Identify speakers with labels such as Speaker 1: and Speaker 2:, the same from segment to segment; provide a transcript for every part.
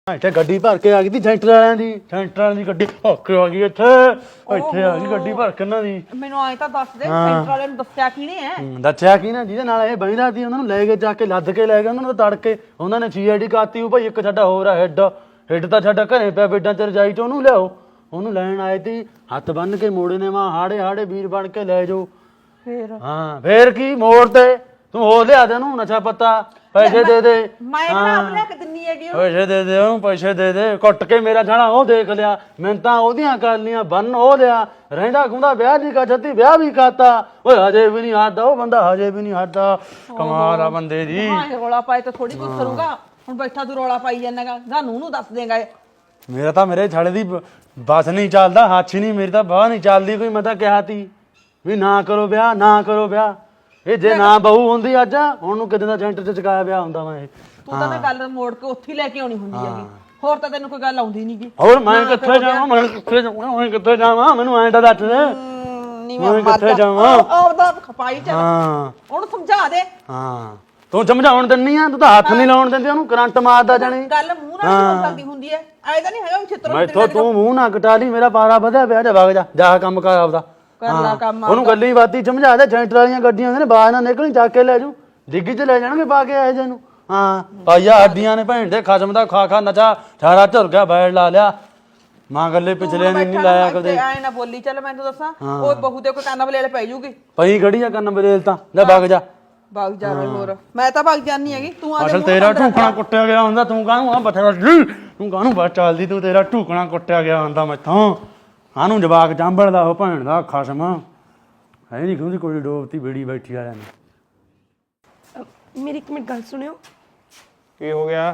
Speaker 1: ਇੱਥੇ ਗੱਡੀ ਭਰ ਕੇ ਆ ਗਈ ਸੀ ਸੈਂਟਰ ਵਾਲਿਆਂ ਦੀ ਗੱਡੀ ਭੱਕ ਆ ਗਈ ਇੱਥੇ ਆ ਗਈ ਗੱਡੀ ਭਰ ਕੇ ਇਹਨਾਂ ਦੀ।
Speaker 2: ਮੈਨੂੰ ਐਂ ਤਾਂ ਦੱਸ ਦੇ ਸੈਂਟਰ ਵਾਲਿਆਂ ਨੂੰ ਦੱਸਿਆ ਕਿਹਨੇ ਹੈ?
Speaker 1: ਦੱਸਿਆ ਕੀ ਨਾ ਜਿਹਦੇ ਨਾਲ ਇਹ ਬਹਿੰਦਾ ਸੀ ਉਹਨਾਂ ਨੂੰ ਲੈ ਕੇ ਜਾ ਕੇ ਲੱਦ ਕੇ ਲੈ ਗਏ ਉਹਨਾਂ ਨੂੰ ਤੜਕੇ ਉਹਨਾਂ ਨੇ CID ਕਾਤੀ ਉਹ ਭਾਈ ਇੱਕ ਸਾਡਾ ਹੋਰ ਆ ਹੈਡ ਤਾਂ ਸਾਡਾ ਘਰੇ ਪਿਆ ਬੇਡਾਂ ਚ ਰਜਾਈ ਚ ਉਹਨੂੰ ਲਿਆਓ ਉਹਨੂੰ ਲੈਣ ਆਏ ਸੀ ਹੱਥ ਬੰਨ ਕੇ ਮੋੜੇ ਨੇ ਮਾਂ ਹਾੜੇ ਵੀਰ ਬਣ ਕੇ ਲੈ ਜਾਓ। ਫੇਰ ਕੀ ਮੋੜ ਤੇ ਤੂੰ ਹੋ ਲਿਆ ਦੇ ਉਹਨੂੰ ਨਸ਼ਾ ਪੱਤਾ ਪੈਸੇ ਦੇ ਦੇ
Speaker 2: ਮੈਂ ਆਪ ਲੈ ਕੇ ਦਿੰਨੀ ਹੈਗੀ
Speaker 1: ਪੈਸੇ ਦੇ ਦੇ ਉਹਨੂੰ ਪੈਸੇ ਦੇ ਦੇ ਕੁੱਟ ਕੇ ਮੇਰਾ ਛਾਣਾ ਉਹ ਦੇਖ ਲਿਆ ਮੈਂ ਤਾਂ ਉਹਦੀਆਂ ਕਰ ਲੀਆਂ ਬੰਨ ਉਹ ਲਿਆ ਰਹਿੰਦਾ ਖੁੰਦਾ ਵਿਆਹ ਨਹੀਂ ਕਰ ਛੱਤੀ ਵਿਆਹ ਵੀ ਕਰਤਾ ਓਏ ਹਜੇ ਵੀ ਨਹੀਂ ਹੱਟਦਾ ਉਹ ਬੰਦਾ ਹਜੇ ਵੀ ਨਹੀਂ ਹੱਟਦਾ ਕਮਾਲ ਆ ਬੰਦੇ ਦੀ।
Speaker 2: ਰੌਲਾ ਪਾਏ ਤਾਂ ਥੋੜੀ ਕੁਝ ਕਰੂਗਾ ਹੁਣ ਬੈਠਾ ਤੂੰ ਰੌਲਾ ਪਾਈ ਜਾਣਾਗਾ ਸਾਨੂੰ ਨੂੰ ਦੱਸ ਦੇਗਾ।
Speaker 1: ਮੇਰਾ ਤਾਂ ਮੇਰੇ ਛਾਲੇ ਦੀ ਬਸ ਨਹੀਂ ਚੱਲਦਾ ਹੱਥ ਹੀ ਨਹੀਂ ਮੇਰੀ ਤਾਂ ਬਾਹ ਨਹੀਂ ਚੱਲਦੀ ਕੋਈ ਮੈਂ ਤਾਂ ਕਿਹਾ ਤੀ ਵੀ ਨਾ ਕਰੋ ਵਿਆਹ ਇਹ ਜੇ ਨਾ ਬਹੂ ਹੁੰਦੀ ਅੱਜ ਹੁਣ ਨੂੰ ਕਿਤੇ ਦਾ ਸੈਂਟਰ ਚ ਚਕਾਇਆ ਵਿਆਹ ਹੁੰਦਾ ਮੈਂ ਇਹ।
Speaker 2: ਤੂੰ ਤਾਂ ਗੱਲ ਮੋੜ ਕੇ ਉੱਥੇ ਲੈ ਕੇ ਆਉਣੀ ਹੁੰਦੀ ਹੈਗੀ ਹੋਰ ਤਾਂ ਤੈਨੂੰ ਕੋਈ ਗੱਲ ਆਉਂਦੀ ਨਹੀਂ ਗੀ।
Speaker 1: ਹੋਰ ਮੈਂ ਕਿੱਥੇ ਜਾਵਾਂ ਮੈਨੂੰ ਐਂ ਤਾਂ ਦੱਸ ਦੇ ਮੈਂ ਕਿੱਥੇ ਜਾਵਾਂ
Speaker 2: ਆਪਦਾ ਖਪਾਈ ਚ ਉਹਨੂੰ ਸਮਝਾ ਦੇ।
Speaker 1: ਤੂੰ ਸਮਝਾਉਣ ਦਿੰਨੀ ਆ ਤੂੰ ਤਾਂ ਹੱਥ ਨਹੀਂ ਲਾਉਣ ਦਿੰਦੀ ਉਹਨੂੰ ਕਰੰਟ ਮਾਰਦਾ ਜਾਣੀ
Speaker 2: ਗੱਲ ਮੂੰਹ ਨਾਲ ਹੋ ਸਕਦੀ ਹੁੰਦੀ ਹੈ ਐਦਾ ਨਹੀਂ ਹੈਗਾ ਛਿੱਤਰ
Speaker 1: ਮੈਥੋਂ ਤੂੰ ਮੂੰਹ ਨਾ ਕਟਾ ਲਈ ਮੇਰਾ ਪਾਰਾ ਵਧਿਆ ਪਿਆ ਜਾ ਵਗ ਜਾ ਕੰਮ ਕਰ ਆਪਦਾ
Speaker 2: ਕਰਨਾ ਕੰਮ
Speaker 1: ਉਹਨੂੰ ਗੱਲੀ ਬਾਤੀ ਸਮਝਾ ਦੇ ਸੈਂਟਰ ਵਾਲੀਆਂ ਗੱਡੀਆਂ ਨੇ ਬਾਹਰ ਨਾ ਨਿਕਲਣੀ ਚੱਕ ਕੇ ਲੈ ਜੂ ਡਿੱਗੀ ਚ ਲੈ ਜਾਣਗੇ ਪਾ ਕੇ ਆਏ ਜੇ ਨੂੰ। ਪਾਈਆ ਹੱਡੀਆਂ ਨੇ ਭੈਣ ਦੇ ਖਸਮ ਦਾ ਖਾ ਨਚਾ ਸਾਰਾ ਝੁਰ ਗਿਆ ਬੈਠ ਲਾ ਲਿਆ ਮਾਂ ਗੱਲੇ ਪਿਛਲੇ ਨਹੀਂ ਲਾਇਆ ਕਦੇ
Speaker 2: ਐ ਨਾ ਬੋਲੀ ਚੱਲ ਮੈਂ ਤੈਨੂੰ ਦੱਸਾਂ ਉਹ ਬਹੂ ਦੇ ਕੋਈ ਕੰਨ ਬਲੇਲ ਪੈ ਜੂਗੀ
Speaker 1: ਪਈ ਖੜੀ ਆ ਕੰਨ ਬਰੇਲ ਤਾਂ ਲੈ ਵਗ ਜਾ
Speaker 2: ਹੋਰ ਮੈਂ ਤਾਂ ਭੱਗ ਜਾਨੀ ਹੈਗੀ ਤੂੰ ਆ
Speaker 1: ਅਸਲ ਤੇਰਾ ਢੂਕਣਾ ਕੁੱਟਿਆ ਗਿਆ ਹੁੰਦਾ ਤੂੰ ਕਾਹਨੂੰ ਆ ਬਥੇਰਾ ਤੂੰ ਕਾਹਨੂੰ ਬਸ ਚੱਲਦੀ ਤੂੰ ਤੇਰਾ ਢੂਕਣਾ ਕੁੱਟਿਆ ਗਿਆ ਹੁੰਦਾ ਮੈਥੋਂ ਆਨੂੰ ਜਵਾਕ ਚਾਂਬੜਦਾ ਉਹ ਭੈਣ ਦਾ ਖਸਮ ਹੈ ਨਹੀਂ ਕਿਉਂਦੀ ਕੋਈ ਡੋਬਤੀ ਬੇੜੀ ਬੈਠੀ ਆ ਜਾਂਦੀ।
Speaker 3: ਮੇਰੀ ਇੱਕ ਮਿੰਟ ਗੱਲ ਸੁਣਿਓ।
Speaker 4: ਕੀ ਹੋ ਗਿਆ?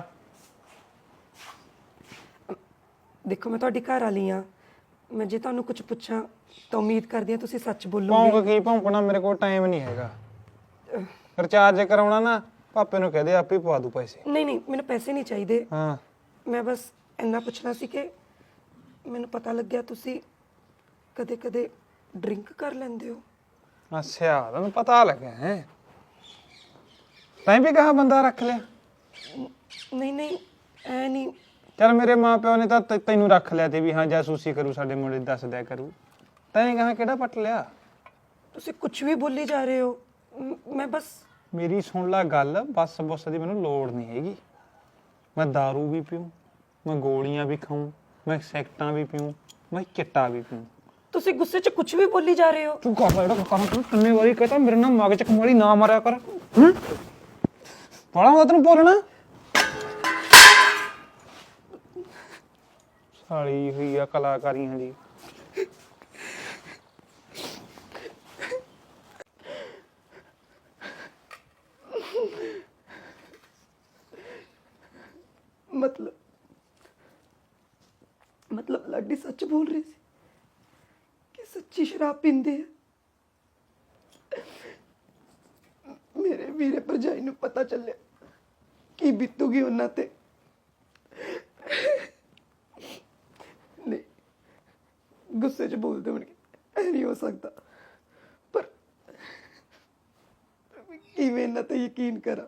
Speaker 3: ਦੇਖੋ ਮੈਂ ਤੁਹਾਡੀ ਘਰ ਵਾਲੀ ਆ ਮੈਂ ਜੇ ਤੁਹਾਨੂੰ ਕੁਝ ਪੁੱਛਾਂ ਤਾਂ ਉਮੀਦ ਕਰਦੀ ਆ ਤੁਸੀਂ ਸੱਚ
Speaker 4: ਭੌਂਕ
Speaker 3: ਬੋਲੋਗੇ।
Speaker 4: ਕੀ ਭੌਂਕਣਾ ਮੇਰੇ ਕੋਲ ਟਾਈਮ ਨਹੀਂ ਹੈਗਾ ਰਿਚਾਰਜ ਕਰਾਉਣਾ ਨਾ ਪਾਪੇ ਨੂੰ ਕਹਦੇ ਆਪੇ ਪਵਾ ਦੂ ਪੈਸੇ।
Speaker 3: ਨਹੀਂ ਮੈਨੂੰ ਪੈਸੇ ਨਹੀਂ ਚਾਹੀਦੇ।
Speaker 4: ਹਾਂ
Speaker 3: ਮੈਂ ਬਸ ਇੰਨਾ ਪੁੱਛਣਾ ਸੀ ਕਿ ਮੈਨੂੰ ਪਤਾ ਲੱਗਿਆ ਤੁਸੀਂ ਕਦੇ ਡਰਿੰਕ ਕਰ ਲੈਂਦੇ ਹੋ।
Speaker 4: ਅੱਛਾ ਤੈਨੂੰ ਪਤਾ ਲੱਗਿਆ ਹੈ ਤੈਂ ਵੀ ਕਹਾ ਬੰਦਾ ਰੱਖ ਲਿਆ।
Speaker 3: ਨਹੀਂ ਐ ਨਹੀਂ।
Speaker 4: ਚੱਲ ਮੇਰੇ ਮਾਂ ਪਿਓ ਨੇ ਤਾਂ ਤੈਨੂੰ ਰੱਖ ਲਿਆ ਤੇ ਵੀ ਹਾਂ ਜਾਸੂਸੀ ਕਰੂ ਸਾਡੇ ਮੁੰਡੇ ਦੀ ਦੱਸ ਦਿਆ ਕਰੂ ਤੈਂ ਕਹਾ ਕਿਹੜਾ ਪੱਟ ਲਿਆ।
Speaker 3: ਤੁਸੀਂ ਕੁਝ ਵੀ ਬੋਲੀ ਜਾ ਰਹੇ ਹੋ ਮੈਂ ਬਸ
Speaker 4: ਮੇਰੀ ਸੁਣ ਲੈ ਗੱਲ ਬਸ ਦੀ ਮੈਨੂੰ ਲੋੜ ਨਹੀਂ ਹੈਗੀ। ਮੈਂ दारू ਵੀ ਪੀਊਂ ਮੈਂ ਗੋਲੀਆਂ ਵੀ ਖਾਊਂ ਮੈਂ ਸੈਕਟਾਂ ਵੀ ਪੀਊਂ ਮੈਂ ਚਿੱਟਾ ਵੀ ਪੀਊਂ।
Speaker 3: ਤੁਸੀਂ ਗੁੱਸੇ 'ਚ ਕੁਝ ਵੀ ਬੋਲੀ ਜਾ ਰਹੇ ਹੋ।
Speaker 4: ਤੂੰ ਕਰ ਲੈ ਜਿਹੜਾ ਕੰਮ ਤੂੰ ਕਿੰਨੇ ਵਾਰੀ ਕਹਤਾ ਮੇਰੇ ਨਾਲ ਮਗਜ ਚ ਕਮਾਲੀ ਨਾ ਮਾਰਿਆ ਕਰ ਬੜਾ ਹੁੰਦਾ ਤੈਨੂੰ ਬੋਲਣਾ ਸਾਲੀ ਹੋਈ ਆ ਕਲਾਕਾਰੀਆਂ ਦੀ।
Speaker 3: ਮਤਲਬ ਲਾਡੀ ਸੱਚ ਬੋਲ ਰਹੀ ਸੀ ਕਿ ਸੱਚੀ ਸ਼ਰਾਬ ਪੀਂਦੇ ਆ। ਮੇਰੇ ਵੀਰੇ ਭਰਜਾਈ ਨੂੰ ਪਤਾ ਚੱਲਿਆ ਕੀ ਬੀਤੂਗੀ ਉਹਨਾਂ ਤੇ। ਨਹੀਂ ਗੁੱਸੇ 'ਚ ਬੋਲਦੇ ਹੋਣਗੇ ਇਹ ਨਹੀਂ ਹੋ ਸਕਦਾ ਪਰ ਕਿਵੇਂ ਇਹਨਾਂ ਤੇ ਯਕੀਨ ਕਰਾਂ।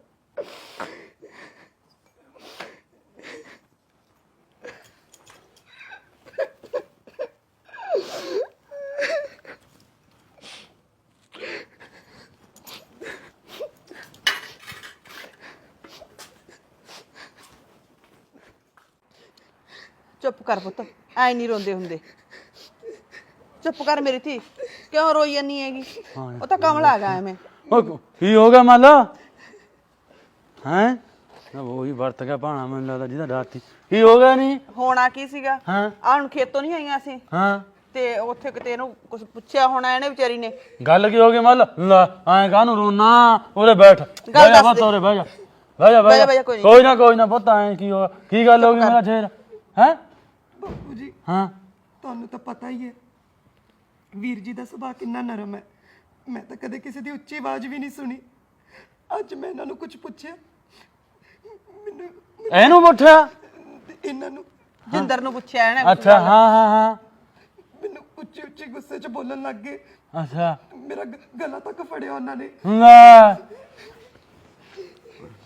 Speaker 2: ਚੁੱਪ ਕਰ ਪੁੱਤ ਐ ਨਹੀਂ ਰੋਂਦੇ ਹੁੰਦੇ ਚੁੱਪ ਕਰ ਮੇਰੀ ਧੀ ਕਿਉਂ ਰੋਈ ਜਾਨੀ ਹੈਗੀ ਉਹ ਤਾਂ ਕਮਲ ਆ ਗਿਆ ਐਵੇਂ।
Speaker 1: ਕੀ ਹੋ ਗਿਆ ਮੰਨ ਲਾ ਹੈ ਉਹੀ ਵਰਤ ਗਿਆ ਭਾਣਾ ਮੈਨੂੰ ਲੱਗਦਾ ਜਿਹਦਾ ਡਾਤੀ ਕੀ ਹੋ ਗਿਆ ਨਹੀਂ
Speaker 2: ਹੋਣਾ ਕੀ ਸੀਗਾ ਆ ਹੁਣ ਖੇਤੋਂ ਨਹੀਂ ਆਈਆਂ ਸੀ ਤੇ ਉੱਥੇ ਕਿਤੇ ਇਹਨੂੰ ਕੁਝ ਪੁੱਛਿਆ ਹੋਣਾ ਇਹਨੇ ਵਿਚਾਰੀ ਨੇ।
Speaker 1: ਗੱਲ ਕੀ ਹੋ ਗਈ ਮੰਨ ਲਾ ਐਂ ਕਾਹਨੂੰ ਰੋਣਾ ਉਰੇ ਬੈਠ ਬਹਿ ਜਾ ਪੁੱਤ ਉਰੇ ਬਹਿ ਜਾ ਕੋਈ ਨਾ ਪੁੱਤ ਐਂ ਕੀ ਹੋ ਕੀ ਗੱਲ ਹੋ ਗਈ ਮੇਰਾ ਸ਼ੇਰ ਹੈ
Speaker 3: ਬਾਪੂ ਜੀ
Speaker 1: ਹਾਂ
Speaker 3: ਤੁਹਾਨੂੰ ਤਾਂ ਪਤਾ ਹੀ ਹੈ ਵੀਰ ਜੀ ਦਾ ਸੁਭਾਅ ਕਿੰਨਾ ਨਰਮ ਹੈ। ਮੈਂ ਤਾਂ ਕਦੇ ਕਿਸੇ ਦੀ ਉੱਚੀ ਆਵਾਜ਼ ਵੀ ਨਹੀਂ ਸੁਣੀ। ਅੱਜ ਮੈਂ ਇਹਨਾਂ ਨੂੰ ਕੁਝ ਪੁੱਛਿਆ ਮੈਨੂੰ
Speaker 1: ਇਹਨੂੰ ਪੁੱਛਿਆ
Speaker 3: ਇਹਨਾਂ ਨੂੰ
Speaker 2: ਜਿੰਦਰ ਨੂੰ ਪੁੱਛਿਆ ਇਹਨੇ।
Speaker 1: ਅੱਛਾ ਹਾਂ
Speaker 3: ਮੈਨੂੰ ਉੱਚੀ ਗੁੱਸੇ 'ਚ ਬੋਲਣ ਲੱਗ ਗਏ।
Speaker 1: ਅੱਛਾ
Speaker 3: ਮੇਰਾ ਗਲਾ ਤੱਕ ਫੜਿਆ ਉਹਨਾਂ ਨੇ।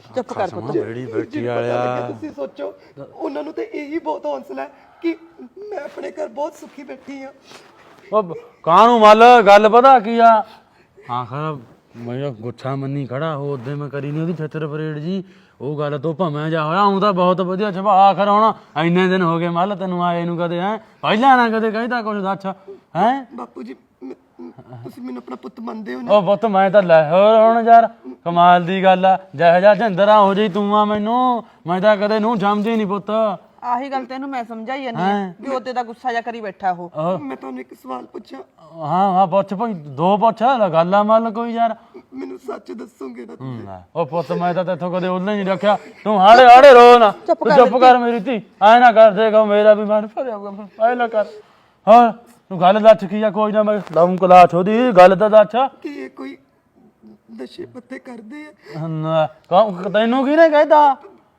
Speaker 2: ਚੁੱਪ ਕਰ ਪੁੱਤ
Speaker 1: ਬੇੜੀ ਬੈਠੀ
Speaker 3: ਜਿਹਨੂੰ ਪਤਾ
Speaker 1: ਵਾਲਿਆ
Speaker 3: ਲੱਗਿਆ ਤੁਸੀਂ ਸੋਚੋ ਉਹਨਾਂ ਨੂੰ ਤੇ ਇਹੀ ਬਹੁਤ ਹੌਸਲਾ ਹੈ ਕਿ ਮੈਂ ਆਪਣੇ ਘਰ ਬਹੁਤ ਸੁਖੀ ਬੈਠੀ ਆ।
Speaker 1: ਉਹ ਕਾਹਨੂੰ ਮੱਲ ਗੱਲ ਪਤਾ ਕੀ ਆ ਆਖਰ ਮੈਂ ਗੁੱਛਾ ਮੰਨੀ ਖੜਾ ਹੋ ਉਹਦੇ ਮੈਂ ਕਰੀ ਨਹੀਂ ਉਹਦੀ ਛੇਤਰ ਪਰੇਡ ਜੀ ਉਹ ਗੱਲ ਤੋਂ ਭਵੇਂ ਜਾ ਹੋਇਆ ਆਉਂਦਾ ਬਹੁਤ ਵਧੀਆ ਸੁਭਾਅ ਆਖਰ ਹੁਣ ਇੰਨੇ ਦਿਨ ਹੋ ਗਏ ਮੱਲ ਤੈਨੂੰ ਆਏ ਨੂੰ ਕਦੇ ਹੈ ਪਹਿਲਾਂ ਨਾ ਕਦੇ ਕਹਿੰਦਾ ਕੁਝ ਦੱਸ ਹੈ
Speaker 3: ਬਾਪੂ ਜੀ ਤੁਸੀਂ ਮੈਨੂੰ ਆਪਣਾ ਪੁੱਤ ਮੰਨਦੇ ਹੋ ਨਾ?
Speaker 1: ਉਹ ਪੁੱਤ ਮੈਂ ਤਾਂ ਲੈ ਹੋਰ ਹੁਣ ਯਾਰ ਕਮਾਲ ਦੀ ਗੱਲ ਆ ਜਿਹੋ ਜਿਹਾ ਝੰਦਰਾ ਹੋ ਜਾਈ ਤੂੰ ਆ ਮੈਨੂੰ ਮੈਂ ਤਾਂ ਕਦੇ ਨੂੰ ਸਮਝੀ ਨਹੀਂ ਪੁੱਤ
Speaker 2: ਆਹੀ ਗੱਲ ਤੈਨੂੰ ਮੈਂ ਸਮਝਾਈ ਜਾਂਦੀ ਆ ਵੀ ਉਹਦੇ ਦਾ ਗੁੱਸਾ ਜਾ ਕਰੀ ਬੈਠਾ ਉਹ
Speaker 3: ਮੈਂ ਤੁਹਾਨੂੰ ਇੱਕ ਸਵਾਲ ਪੁੱਛਾਂ,
Speaker 1: ਹਾਂ ਹਾਂ ਪੁੱਛ ਭਾਈ ਦੋ ਪੁੱਛ ਗੱਲ ਆ ਮੱਲ ਕੋਈ ਯਾਰ
Speaker 3: ਮੈਨੂੰ ਸੱਚ ਦੱਸੋਗੇ ਨਾ ਤੁਸੀਂ?
Speaker 1: ਉਹ ਪੁੱਤ ਮੈਂ ਤਾਂ ਤੇਥੋਂ ਕਦੇ ਉਹਨੇ ਨਹੀਂ ਰੱਖਿਆ ਤੂੰ ਹਾੜੇ ਹਾੜੇ ਰੋ ਨਾ ਤੂੰ ਚੁੱਪ ਕਰ ਮੇਰੀ ਧੀ ਐ ਨਾ ਕਰ ਦੇਗਾ ਮੇਰਾ ਵੀ ਮਨ ਭਰਿਆ ਹੋਊਗਾ ਐ ਨਾ ਕਰ ਹਾਂ ਤੂੰ ਗੱਲ ਦੱਸ ਕੀ ਆ ਕੋਈ ਨਾ ਮੈਂ ਲਾਉਂ ਕਲਾਸ ਉਹਦੀ ਗੱਲ ਤਾਂ ਦੱਸ
Speaker 3: ਕਿ ਇਹ ਕੋਈ ਨਸ਼ੇ ਪੱਤੇ ਕਰਦੇ ਆ?
Speaker 1: ਤੈਨੂੰ ਕਿਹਨੇ ਕਹਿਤਾ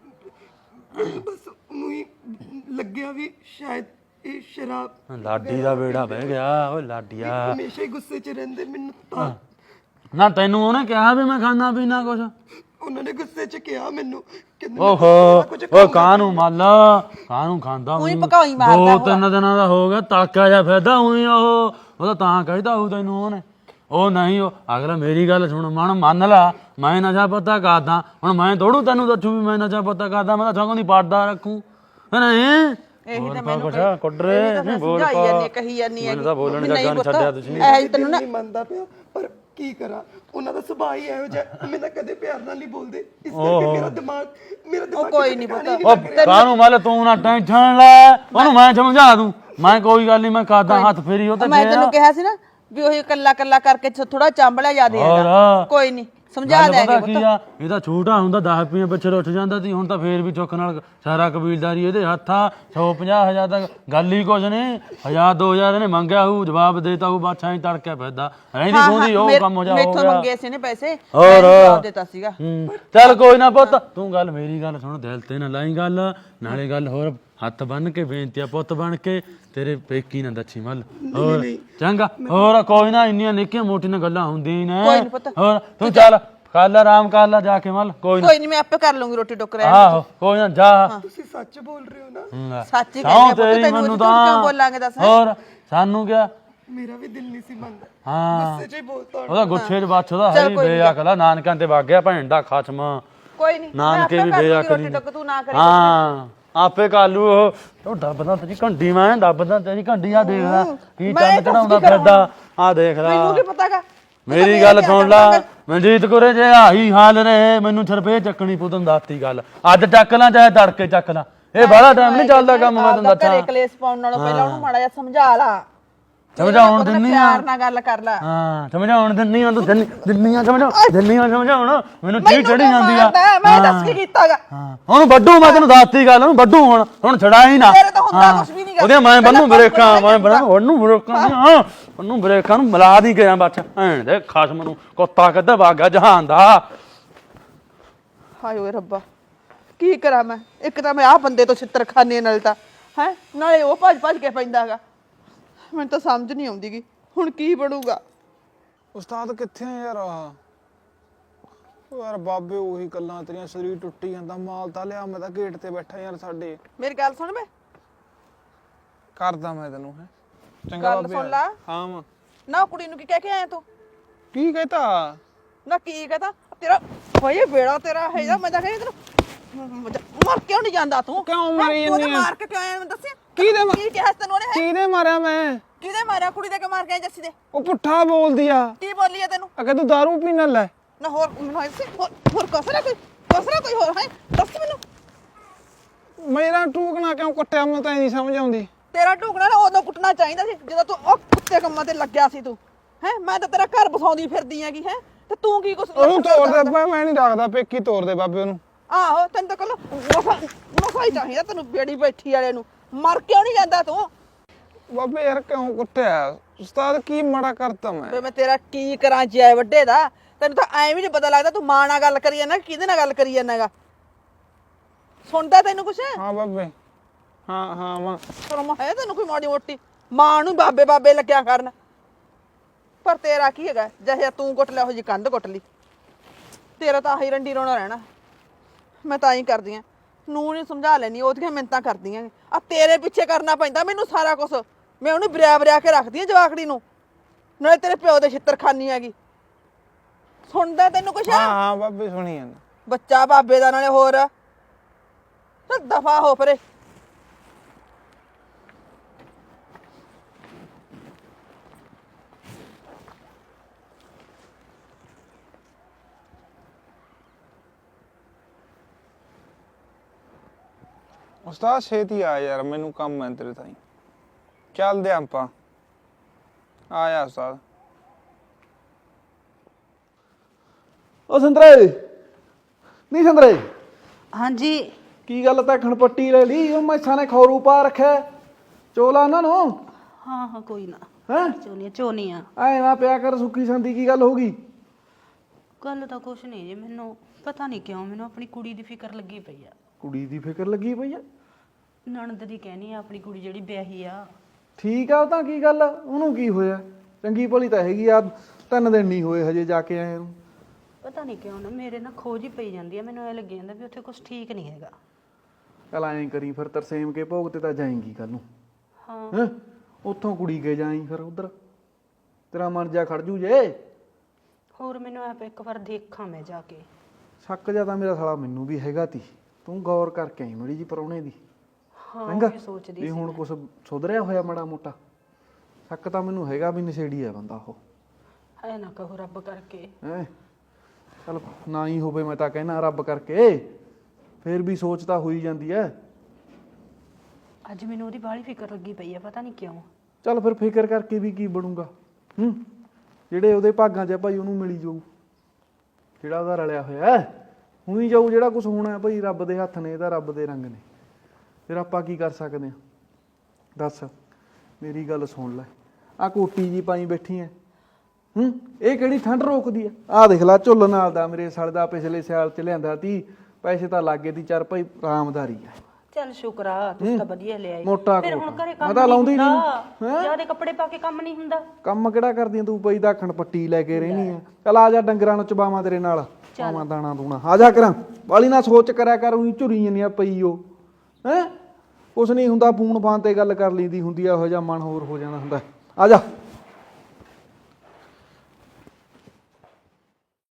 Speaker 3: ਬਸ ਉਹਨੂੰ ਹੀ ਲੱਗਿਆ ਵੀ ਸ਼ਾਇਦ ਇਹ ਸ਼ਰਾਬ
Speaker 1: ਲਾਡੀ ਦਾ ਬੇੜਾ ਬਹਿ ਗਿਆ ਓਏ ਲਾਡੀਆ
Speaker 3: ਹਮੇਸ਼ਾ ਹੀ ਗੁੱਸੇ 'ਚ ਰਹਿੰਦੇ ਮੈਨੂੰ ਤਾਂ
Speaker 1: ਨਾ ਤੈਨੂੰ ਉਹਨੇ ਕਿਹਾ ਵੀ ਮੈਂ ਖਾਣਾ ਪੀਣਾ ਕੁਛ
Speaker 3: ਉਹਨਾਂ ਨੇ ਗੁੱਸੇ 'ਚ ਕਿਹਾ ਮੈਨੂੰ ਕਹਿੰਦੇ
Speaker 1: ਓਹੋ ਓ ਕਾਹਨੂੰ ਮੱਲ ਕਾਹਨੂੰ ਖਾਂਦਾ
Speaker 2: ਉਹੀ ਭਕਾਈ ਮਾਰਦਾ
Speaker 1: ਦੋ ਤਿੰਨ ਦਿਨਾਂ ਦਾ ਹੋ ਗਿਆ ਤਾਕਾ ਜਿਹਾ ਫਿਰਦਾ ਉਹੀ ਉਹ ਤਾਂ ਤਾਂ ਕਹਿਦਾ ਉਹ ਤੈਨੂੰ ਉਹਨੇ ਉਹ ਨਹੀਂ ਉਹ ਅਗਲਾ ਮੇਰੀ ਗੱਲ ਸੁਣ ਮਨ ਮੰਨ ਲਾ ਮੈਂ ਨਸ਼ਾ ਪਤਾ ਕਰਦਾ ਹੁਣ ਮੈਂ ਥੋੜੂ ਤੈਨੂੰ ਦੱਸੂ ਵੀ ਮੈਂ ਨਸ਼ਾ ਪਤਾ ਕਰਦਾ ਮੈਂ ਤਾਂ ਸਗੋਂ ਦੀ ਪੜਦਾ ਰੱਖੂ ਨਹੀਂ
Speaker 2: ਇਹੀ ਤਾਂ
Speaker 1: ਮੈਨੂੰ ਕੁੱਟਰੇ ਨਹੀਂ ਬੋਲ
Speaker 2: ਸਮਝਾਈ ਜਾਂਦੀ ਕਹੀ ਜਾਂਦੀ ਹੈ
Speaker 1: ਮੈਨੂੰ ਤਾਂ ਬੋਲਣ ਜੱਗਾ ਨਹੀਂ ਛੱਡਿਆ ਤੁਸੀਂ
Speaker 2: ਐ ਤੈਨੂੰ ਨਾ
Speaker 3: ਨਹੀਂ ਮੰਨਦਾ ਪਿਆ ਪਰ ਕੀ ਕਰਾਂ ਉਹਨਾਂ ਦਾ ਸੁਭਾਅ ਹੀ ਇਹੋ ਜਿਹਾ ਮੈਂ ਤਾਂ ਕਦੇ ਪਿਆਰ ਨਾਲ ਨਹੀਂ ਬੋਲਦੇ ਇਸ ਕਰਕੇ ਮੇਰਾ ਦਿਮਾਗ
Speaker 2: ਕੋਈ ਨਹੀਂ ਪਤਾ
Speaker 1: ਉਹ ਕਾਹਨੂੰ ਮੱਲ ਤੂੰ ਨਾ ਟੈਨਸ਼ਨ ਲੈ ਉਹਨੂੰ ਮੈਂ ਸਮਝਾ ਦੂੰ ਮੈਂ ਕੋਈ ਗੱਲ ਨਹੀਂ ਮੈਂ ਕਰਦਾ ਹੱਥ ਫੇਰੀ ਉਹ ਤੇ
Speaker 2: ਮੈਂ ਤੈਨੂੰ ਕਿਹਾ ਸੀ ਨਾ ਵੀ ਉਹ ਕੱਲਾ ਕੱਲਾ ਕਰਕੇ ਥੋੜਾ ਚਾਂਬਲਿਆ ਜਾ ਦੇ ਕੋਈ ਨਹੀਂ ਸਮਝਾ ਦੇਗੇ
Speaker 1: ਪਤਾ ਕੀ ਆ ਇਹ ਤਾਂ ਛੋਟਾ ਹੁੰਦਾ 10 ਰੁਪਏ ਪਿੱਛੇ ਉੱਠ ਜਾਂਦਾ ਸੀ ਹੁਣ ਤਾਂ ਫੇਰ ਵੀ ਚੁੱਕ ਨਾਲ ਸਾਰਾ ਕਬੀਲਦਾਰੀ ਇਹਦੇ ਹੱਥਾਂ 150,000 ਤੱਕ ਗੱਲ ਹੀ ਕੁਝ ਨਹੀਂ 1,000-2,000 ਇਹਨੇ ਮੰਗਿਆ ਹੋਊ ਜਵਾਬ ਦੇਤਾ ਉਹ ਬਾਛਾਂ ਹੀ ਤੜਕਿਆ ਫਿਰਦਾ ਰਹਿੰਦੀ ਖੁੰਦੀ ਉਹ ਕੰਮ ਹੋ ਜਾ ਹੋ
Speaker 2: ਮੈਥੋਂ
Speaker 1: ਗਿਆ
Speaker 2: ਮੰਗੇ ਸੀ ਨੇ ਪੈਸੇ
Speaker 1: ਹੋਰ
Speaker 2: ਜਵਾਬ ਦਿੱਤਾ ਸੀਗਾ
Speaker 1: ਚੱਲ ਕੋਈ ਨਾ ਪੁੱਤ ਤੂੰ ਗੱਲ ਮੇਰੀ ਗੱਲ ਸੁਣ ਦਿਲ ਤੇ ਨਾ ਲਾਈ ਗੱਲ ਨਾਲੇ ਗੱਲ ਹੋਰ ਹੱਥ ਬੰਨ ਕੇ ਬੇਨਤੀ ਆ ਪੁੱਤ ਬਣ ਕੇ ਤੇਰੇ ਪੇਕੀ ਨਾ ਦੱਛੀ ਮੱਲ ਹੋਰ ਚੰਗਾ ਹੋਰ ਕੋਈ ਨਾ ਇੰਨੀਆਂ ਨਿੱਕੀਆਂ ਮੋਟੀਆਂ ਗੱਲਾਂ ਹੁੰਦੀਆਂ ਨੇ
Speaker 2: ਕੋਈ ਨੀ ਪੁੱਤ।
Speaker 1: ਹੋਰ ਤੂੰ ਚੱਲ ਕਰ ਲੈ ਆਰਾਮ ਕਰ ਲੈ ਜਾ ਕੇ ਮੱਲ ਕੋਈ ਨਾ
Speaker 2: ਕੋਈ ਨਹੀਂ ਮੈਂ ਆਪੇ ਕਰ ਲੂੰਗੀ ਰੋਟੀ ਟੁੱਕ ਰਿਹਾ
Speaker 1: ਆਹੋ ਕੋਈ ਨਾ ਜਾ
Speaker 3: ਤੁਸੀਂ ਸੱਚ ਬੋਲ ਰਹੇ ਹੋ ਨਾ?
Speaker 2: ਸੱਚ ਹੀ
Speaker 1: ਸਹੁੰ
Speaker 2: ਕਹਿੰਦੇ ਪੁੱਤ
Speaker 1: ਤੇਰੀ
Speaker 2: ਤੈਨੂੰ
Speaker 1: ਮੈਨੂੰ
Speaker 2: ਅਸੀਂ ਝੂਠ ਕਿਉਂ
Speaker 1: ਤਾਂ
Speaker 2: ਬੋਲਾਂਗੇ ਦੱਸ
Speaker 1: ਹੋਰ ਸਾਨੂੰ ਕਿਆ
Speaker 3: ਮੇਰਾ ਵੀ ਦਿਲ ਨਹੀਂ ਸੀ ਮੰਨਦਾ
Speaker 1: ਹਾਂ
Speaker 3: ਗੁੱਸੇ 'ਚ ਹੀ ਬੋਲਤਾ
Speaker 1: ਉਹਦਾ ਗੁੱਸੇ 'ਚ ਬੱਚ ਉਹਦਾ ਹੈ ਹੀ ਬੇਅਕਲਾ ਨਾਨਕਾਂ ਤੇ ਵਗ ਗਿਆ ਭੈਣ ਦਾ ਖਸਮ
Speaker 2: ਕੋਈ ਨਹੀਂ
Speaker 1: ਨਾਨਕੇ ਵੀ ਬੇਅਕਲੀ
Speaker 2: ਰੋਟੀ ਟੁੱਕ ਤੂੰ ਨਾ ਕਰੀ
Speaker 1: ਹਾਂ ਆਪੇ ਕਾਲੂ ਉਹ ਦੱਬਦਾ ਤੇਰੀ ਘੰਡੀ ਮੈਂ ਦੱਬਦਾ ਤੇਰੀ ਘੰਡੀ ਆ ਦੇਖ ਲੈ ਕੀ ਚੰਨ ਚੜਾਉਂਦਾ ਫਿਰਦਾ ਆ ਦੇਖ ਲੈ
Speaker 2: ਮੈਨੂੰ ਕੀ ਪਤਾਗਾ
Speaker 1: ਮੇਰੀ ਗੱਲ ਸੁਣ ਲੈ ਮਨਜੀਤ ਕੋਰੇ ਜੇ ਆਹੀ ਹਾਲ ਰਹੇ ਮੈਨੂੰ ਛਰਪੇ ਚੱਕਣੀ ਪੂ ਤੈਨੂੰ ਦੱਸਤੀ ਗੱਲ ਅੱਜ ਚੱਕ ਲਾਂ ਚਾਹੇ ਤੜਕੇ ਚੱਕ ਲਾਂ ਇਹ ਬੜਾ ਟਾਈਮ ਨਹੀਂ ਚੱਲਦਾ ਕੰਮ ਮੈਂ ਤੈਨੂੰ ਦੱਸਾਂ
Speaker 2: ਘਰੇ ਕਲੇਸ਼ ਪਾਉਣ ਨਾਲੋਂ ਪਹਿਲਾਂ ਉਹਨੂੰ ਮਾੜਾ ਜਿਹਾ ਸਮਝਾ ਲਾ
Speaker 1: ਸਮਝਾਉਣ ਦਿੰਨੀ ਆ
Speaker 2: ਪਿਆਰ ਨਾਲ ਗੱਲ ਕਰ ਲੈ
Speaker 1: ਹਾਂ ਸਮਝਾਉਣ ਦਿੰਨੀ ਆ ਤੂੰ ਦਿੰਨੀ ਆ ਸਮਝਾਉਣ ਮੈਨੂੰ ਚੀੜ ਚੜੀ ਜਾਂਦੀ ਆ
Speaker 2: ਮੈਂ ਦੱਸ ਕੀ ਕੀਤਾਗਾ
Speaker 1: ਹਾਂ ਉਹਨੂੰ ਵੱਡੂ ਮੈਂ ਤੈਨੂੰ ਦੱਸਤੀ ਗੱਲ ਉਹਨੂੰ ਵੱਡੂ ਹੁਣ ਛੜਾ ਹੀ ਨਾ
Speaker 2: ਤੇਰੇ ਤਾਂ ਹੁੰਦਾ ਕੁਝ ਵੀ ਨਹੀਂ ਗਾ
Speaker 1: ਉਹਦੇ ਮੈਂ ਬੰਨੂ ਬ੍ਰੇਕਾਂ ਮੈਂ ਬੰਨੂ ਉਹਨੂੰ ਬ੍ਰੇਕਾਂ ਹਾਂ ਉਹਨੂੰ ਬ੍ਰੇਕਾਂ ਨੂੰ ਮਿਲਾ ਦੀ ਗਿਆ ਬੱਚ ਭੈਣ ਦੇ ਖਸਮ ਨੂੰ ਕੁੱਤਾ ਕਿੱਧਰ ਵਾਗਾ ਜਹਾਨ ਦਾ
Speaker 2: ਹਾਏ ਓਏ ਰੱਬਾ ਕੀ ਕਰਾਂ ਮੈਂ ਇੱਕ ਤਾਂ ਮੈਂ ਆਹ ਬੰਦੇ ਤੋਂ ਛਿੱਤਰ ਖਾਨੇ ਨਾਲ ਤਾਂ ਹੈ ਨਾਲੇ ਉਹ ਭੱਜ ਭੱਜ ਕੇ ਪੈਂਦਾਗਾ ਮੈਨੂੰ ਤਾਂ ਸਮਝ ਨਹੀਂ ਆਉਂਦੀਗੀ ਹੁਣ ਕੀ ਬਣੂਗਾ
Speaker 4: ਉਸਤਾਦ ਕਿੱਥੇ ਆ ਯਾਰ ਉਹ ਯਾਰ ਬਾਬੇ ਉਹੀ ਗੱਲਾਂ ਤੇਰੀਆਂ ਸਰੀਰ ਟੁੱਟੀ ਜਾਂਦਾ ਮਾਲ ਤਾਂ ਲਿਆ ਮੈਂ ਤਾਂ ਗੇਟ ਤੇ ਬੈਠਾ ਯਾਰ ਸਾਡੇ
Speaker 2: ਮੇਰੀ ਗੱਲ ਸੁਣ ਮੈਂ
Speaker 4: ਕਰਦਾ ਮੈਂ ਤੈਨੂੰ ਹੈ ਚੰਗਾ
Speaker 2: ਗੱਲ
Speaker 4: ਬਾਬੇ
Speaker 2: ਸੁਣ ਲਾ
Speaker 4: ਹਾਂ ਮਾਂ
Speaker 2: ਨਾ ਕੁੜੀ ਨੂੰ ਕੀ ਕਹਿ ਕੇ ਆਇਆ ਤੂੰ
Speaker 4: ਕੀ ਕਹਤਾ
Speaker 2: ਨਾ ਕੀ ਕਹਤਾ ਤੇਰਾ ਹੋਏ ਬੇੜਾ ਤੇਰਾ ਹੈ ਜਾਂ ਮੈਂ ਤਾਂ ਕਹਿੰਦੀ ਤੈਨੂੰ ਮਰ ਕਿਉਂ ਨਹੀਂ ਜਾਂਦਾ ਤੂੰ
Speaker 4: ਕਿਉਂ ਮਰੀ
Speaker 2: ਤੂੰ ਤਾਂ
Speaker 4: ਜਾਂਦੀ ਆ?
Speaker 2: ਮਾਰ ਕੇ ਕਿਉਂ ਆਇਆ ਮੈਨੂੰ ਦੱਸਿਆ
Speaker 4: ਕਿਹਦੇ
Speaker 2: ਕੀ ਕਿਹਾ ਸੀ ਤੈਨੂੰ ਉਹਨੇ
Speaker 4: ਕਿਹਦੇ ਮਾਰਿਆ ਮੈਂ
Speaker 2: ਕਿਹਦੇ ਮਾਰਿਆ ਕੁੜੀ ਦੇ ਕੇ ਮਾਰ ਕੇ ਆਇਆ ਜੱਸੀ ਦੇ
Speaker 4: ਉਹ ਪੁੱਠਾ ਬੋਲਦੀ ਆ
Speaker 2: ਕੀ ਬੋਲੀ ਆ ਤੈਨੂੰ
Speaker 4: ਅਗੇ ਤੂੰ ਦਾਰੂ ਪੀਣ ਲੈ
Speaker 2: ਨਾ ਹੋਰ ਮੈਨੂੰ ਐਸੇ ਹੋਰ ਕਸਰਾ ਕੋਈ ਹੋਰ ਹੈ ਦੱਸ ਮੈਨੂੰ
Speaker 4: ਮੇਰਾ ਟੂਕਣਾ ਕਿਉਂ ਕੁੱਟਿਆ ਮੈਂ ਤਾਂ ਨਹੀਂ ਸਮਝ ਆਉਂਦੀ
Speaker 2: ਤੇਰਾ ਢੂਕਣਾ ਨਾ ਉਦੋਂ ਕੁੱਟਣਾ ਚਾਹੀਦਾ ਸੀ ਜਦੋਂ ਤੂੰ ਉਹ ਕੁੱਤੇ ਕੰਮਾਂ ਤੇ ਲੱਗਿਆ ਸੀ ਤੂੰ ਹੈ ਮੈਂ ਤਾਂ ਤੇਰਾ ਘਰ ਬਸਾਉਂਦੀ ਫਿਰਦੀ ਹੈਗੀ ਹੈ ਤੇ ਤੂੰ ਕੀ ਕੁਛ
Speaker 4: ਉਹਨੂੰ ਤੋੜ ਦੇ ਮੈਂ ਨਹੀਂ ਰੱਖਦਾ ਪੇਕੀ ਤੋੜ ਦੇ ਬਾਬੇ ਉਹਨੂੰ
Speaker 2: ਆਹੋ ਤੈਨੂੰ ਤਾਂ ਕੱਲ ਮਸਾ ਹੀ ਚਾਹੀਦਾ ਤੈਨੂੰ ਬੇੜੀ ਬੈਠੀ ਵਾਲੇ ਨੂੰ ਮਰ ਕਿਉਂ ਨਹੀਂ ਜਾਂਦਾ ਤੂੰ
Speaker 4: ਬਾਬੇ ਯਾਰ ਕਿਉਂ ਕੁੱਟਿਆ ਉਸਤਾਦ ਕੀ ਮਾੜਾ ਕਰਤਾ ਮੈਂ
Speaker 2: ਵੇ ਮੈਂ ਤੇਰਾ ਕੀ ਕਰਾਂ ਜੈ ਵੱਡੇ ਦਾ ਤੈਨੂੰ ਤਾਂ ਐਵੇਂ ਵੀ ਨਹੀਂ ਪਤਾ ਲੱਗਦਾ ਤੂੰ ਮਾਂ ਨਾਲ ਗੱਲ ਕਰੀ ਜਾਂਦਾ ਕਿਹਦੇ ਨਾਲ ਗੱਲ ਕਰੀ ਜਾਂਦਾਗਾ ਸੁਣਦਾ ਤੈਨੂੰ ਕੁਛ
Speaker 4: ਹਾਂ ਬਾਬੇ ਹਾਂ ਮਾਂ
Speaker 2: ਸ਼ਰਮ ਹੈ ਤੈਨੂੰ ਕੋਈ ਮਾੜੀ ਮੋਟੀ ਮਾਂ ਨੂੰ ਬਾਬੇ ਲੱਗਿਆ ਕਰਨ ਪਰ ਤੇਰਾ ਕੀ ਹੈਗਾ ਜਿਹੇ ਤੂੰ ਕੁੱਟ ਲਿਆ ਉਹ ਜੀ ਕੰਧ ਕੁੱਟ ਲਈ ਤੇਰਾ ਤਾਂ ਆਹੀ ਰੰਡੀ ਰੋਣਾ ਰਹਿਣਾ ਮੈਂ ਤਾਂ ਹੀ ਕਰਦੀ ਆ, ਨੂੰ ਨਹੀਂ ਸਮਝਾ ਲੈਣੀ, ਉਹਦੀਆਂ ਮਿੰਤਾਂ ਕਰਦੀਆਂ ਆ ਤੇਰੇ ਪਿੱਛੇ ਕਰਨਾ ਪੈਂਦਾ ਮੈਨੂੰ ਸਾਰਾ ਕੁਝ। ਮੈਂ ਉਹਨੂੰ ਬਰਿਆ ਕੇ ਰੱਖਦੀ ਆ ਜਵਾਕੜੀ ਨੂੰ, ਨਾਲੇ ਤੇਰੇ ਪਿਓ ਦੇ ਛਿੱਤਰ ਖਾਨੀ ਹੈਗੀ। ਸੁਣਦਾ ਤੈਨੂੰ ਕੁਛ?
Speaker 4: ਹਾਂ ਹਾਂ ਬਾਬੇ ਸੁਣੀ ਜਾਂਦਾ।
Speaker 2: ਬੱਚਾ ਬਾਬੇ ਦਾ, ਨਾਲੇ ਹੋਰ ਦਫਾ ਹੋ ਪਰੇ।
Speaker 4: ਉਸਤਾਦ ਛੇਤੀ ਆ ਯਾਰ, ਮੈਨੂੰ ਕੰਮ ਹੈ ਤੇਰੇ ਤਾਈਂ। ਚੱਲਦੇ ਆਪਾਂ, ਆਇਆ ਉਸਤਾਦ।
Speaker 5: ਓ ਸੰਤਰੇ, ਨਹੀਂ ਸੰਤਰੇ,
Speaker 6: ਹਾਂਜੀ।
Speaker 5: ਕੀ ਗੱਲ ਤਾਂ ਖਣਪੱਟੀ ਲੈ ਲਈ? ਉਹ ਮੈਸਾਂ ਨੇ ਖੌਰੂ ਪਾ ਰੱਖਿਆ, ਚੋਲਾ ਉਹਨਾਂ ਨੂੰ।
Speaker 6: ਹਾਂ ਹਾਂ ਕੋਈ ਨਾ,
Speaker 5: ਹੈਂ
Speaker 6: ਚੋਨੀਆਂ
Speaker 5: ਐ ਨਾ ਪਿਆ ਕਰ ਸੁੱਕੀ ਸੰਦੀ, ਕੀ ਗੱਲ ਹੋ ਗਈ?
Speaker 6: ਗੱਲ ਤਾਂ ਕੁਛ ਨਹੀਂ ਜੀ, ਮੈਨੂੰ ਪਤਾ ਨਹੀਂ ਕਿਉਂ ਮੈਨੂੰ ਆਪਣੀ ਕੁੜੀ ਦੀ ਫਿਕਰ ਲੱਗੀ ਪਈ ਆ।
Speaker 5: ਕੁੜੀ ਦੀ ਫਿਕਰ ਲੱਗੀ ਪਈ ਆ?
Speaker 6: ਨਣਦ ਦੀ ਕਹਿਣੀ ਆ, ਆਪਣੀ ਕੁੜੀ ਜਿਹੜੀ ਵਿਆਹੀ ਆ।
Speaker 5: ਠੀਕ ਆ, ਉਹ ਤਾਂ ਕੀ ਗੱਲ, ਉਹਨੂੰ ਕੀ ਹੋਇਆ? ਚੰਗੀ ਭਲੀ ਤਾਂ ਹੈਗੀ ਆ, 3 ਦਿਨ ਨਹੀਂ ਹੋਏ ਹਜੇ ਜਾ ਕੇ ਆਏ ਨੂੰ।
Speaker 6: ਪਤਾ ਨਹੀਂ ਕਿਉਂ ਨਾ ਮੇਰੇ ਨਾ ਖੋਜ ਹੀ ਪਈ ਜਾਂਦੀ ਆ, ਮੈਨੂੰ ਇਹ ਲੱਗੀ ਜਾਂਦਾ ਵੀ ਉੱਥੇ ਕੁਝ ਠੀਕ ਨਹੀਂ ਹੈਗਾ।
Speaker 5: ਚੱਲ ਐਂ ਕਰੀ ਫਿਰ, ਤਰਸੇਮ ਕੇ ਭੋਗ ਤੇ ਤਾਂ ਜਾਏਂਗੀ ਕੱਲ ਨੂੰ।
Speaker 6: ਹਾਂ
Speaker 5: ਹੈਂ ਉੱਥੋਂ ਕੁੜੀ ਕੇ ਜਾਈਂ ਫਿਰ ਉਧਰ, ਤੇਰਾ ਮਨ ਜਾ ਖੜ ਜੂ ਜੇ।
Speaker 6: ਹੋਰ ਮੈਨੂੰ ਆਪ ਇੱਕ ਵਾਰ ਦੇਖਾਂ ਮੈਂ ਜਾ ਕੇ।
Speaker 5: ਸ਼ੱਕ ਜਾਂ ਤਾਂ ਮੇਰਾ ਸਾਲਾ ਮੈਨੂੰ ਵੀ ਹੈਗਾ ਤੀ, ਤੂੰ ਗੌਰ ਕਰਕੇ ਆਈ ਮੜੀ ਜੀ ਪਰੌਣੇ ਦੀ।
Speaker 6: ਹਾਂ
Speaker 5: ਚੰਗਾ
Speaker 6: ਮੈਂ ਸੋਚਦੀ
Speaker 5: ਵੀ
Speaker 6: ਸੀ।
Speaker 5: ਹੁਣ ਕੁਛ ਸੁਧਰਿਆ ਹੋਇਆ ਮਾੜਾ ਮੋਟਾ? ਸ਼ੱਕ ਤਾਂ ਮੈਨੂੰ ਹੈਗਾ ਵੀ ਨਸ਼ੇੜੀ ਆ ਬੰਦਾ ਉਹ।
Speaker 6: ਐ ਨਾ ਕਹੋ ਰੱਬ ਕਰਕੇ।
Speaker 5: ਹੈ ਚਲ ਨਾ ਹੀ ਹੋਵੇ, ਮੈਂ ਤਾਂ ਕਹਿਣਾ ਰੱਬ ਕਰਕੇ, ਫੇਰ ਵੀ ਸੋਚ ਤਾਂ ਹੋਈ ਜਾਂਦੀ ਐ।
Speaker 6: ਅੱਜ ਮੈਨੂੰ ਉਹਦੀ ਬਾਹਲੀ ਫਿਕਰ ਲੱਗੀ ਪਈ ਆ, ਪਤਾ ਨਹੀਂ ਕਿਉਂ।
Speaker 5: ਚੱਲ ਫਿਰ ਫਿਕਰ ਕਰਕੇ ਵੀ ਕੀ ਬਣੂਗਾ? ਜਿਹੜੇ ਉਹਦੇ ਭਾਗਾਂ 'ਚ ਆ ਭਾਈ ਉਹਨੂੰ ਮਿਲੀ ਜਾਊ, ਜਿਹੜਾ ਉਹਦਾ ਰਲਿਆ ਹੋਇਆ ਹੁਣੀ ਜਾਊ। ਜਿਹੜਾ ਕੁਝ ਹੋਣਾ ਭਾਈ ਰੱਬ ਦੇ ਹੱਥ ਨੇ, ਇਹਦਾ ਰੱਬ ਦੇ ਰੰਗ ਨੇ, ਫਿਰ ਆਪਾਂ ਕੀ ਕਰ ਸਕਦੇ ਆ ਦੱਸ? ਮੇਰੀ ਗੱਲ ਸੁਣ ਲੈ, ਆ ਕੋਟੀ ਜੀ ਪਾਈ ਬੈਠੀ ਐ, ਇਹ ਕਿਹੜੀ ਠੰਡ ਰੋਕਦੀ ਐ? ਆਹ ਦੇਖ ਲੈ ਝੁੱਲ ਨਾਲ ਦਾ ਮੇਰੇ ਸਾਲ ਦਾ ਪਿਛਲੇ ਸਾਲ ਚ ਲਿਆਂਦਾ ਤੀ, ਪੈਸੇ ਤਾਂ ਲੱਗੇ ਤੀ ਚਾਰ ਭਾਈ, ਆਰਾਮਦਾਰੀ ਆ।
Speaker 6: ਚੱਲ ਸ਼ੁਕਰ ਆ, ਤੂੰ ਤਾਂ ਵਧੀਆ ਲਿਆਈ।
Speaker 5: ਮੋਟਾ
Speaker 6: ਫਿਰ ਹੁਣ
Speaker 5: ਕੋਟ।
Speaker 6: ਘਰੇ ਕੰਮ
Speaker 5: ਮੈਂ ਤਾਂ ਲਾਉਂਦੀ
Speaker 6: ਨਹੀਂ
Speaker 5: ਨੀ।
Speaker 6: ਹੁੰਦਾ, ਜਿਆਦੇ ਕੱਪੜੇ ਪਾ ਕੇ ਕੰਮ ਨਹੀਂ ਹੁੰਦਾ।
Speaker 5: ਕੰਮ ਕਿਹੜਾ ਕਰਦੀ ਆਂ ਤੂੰ? ਪਈ ਦਾਖਣ ਪੱਟੀ ਲੈ ਕੇ ਰਹਿਣੀ ਆ। ਚੱਲ ਆ ਜਾ, ਡੰਗਰਾਂ ਨੂੰ ਚਬਾਵਾਂ ਤੇਰੇ ਨਾਲ, ਪਾਵਾਂ ਦਾਣਾ ਦੂਣਾ। ਆ ਜਾ ਕਰਾਂ, ਵਾਲੀ ਨਾ ਸੋਚ ਕਰਿਆ ਕਰ, ਉਹੀ ਝੁਰੀ ਜੰਨੀ ਆ ਪਈ ਉਹ। ਕੁਛ ਨਹੀਂ ਹੁੰਦਾ, ਫੋਨ ਫਾਨ ਤੇ ਗੱਲ ਕਰ ਲਈਦੀ ਹੁੰਦੀ ਆ, ਇਹੋ ਜਿਹਾ ਮਨ ਹੋਰ ਹੋ ਜਾਂਦਾ ਹੁੰਦਾ। ਆ ਜਾ।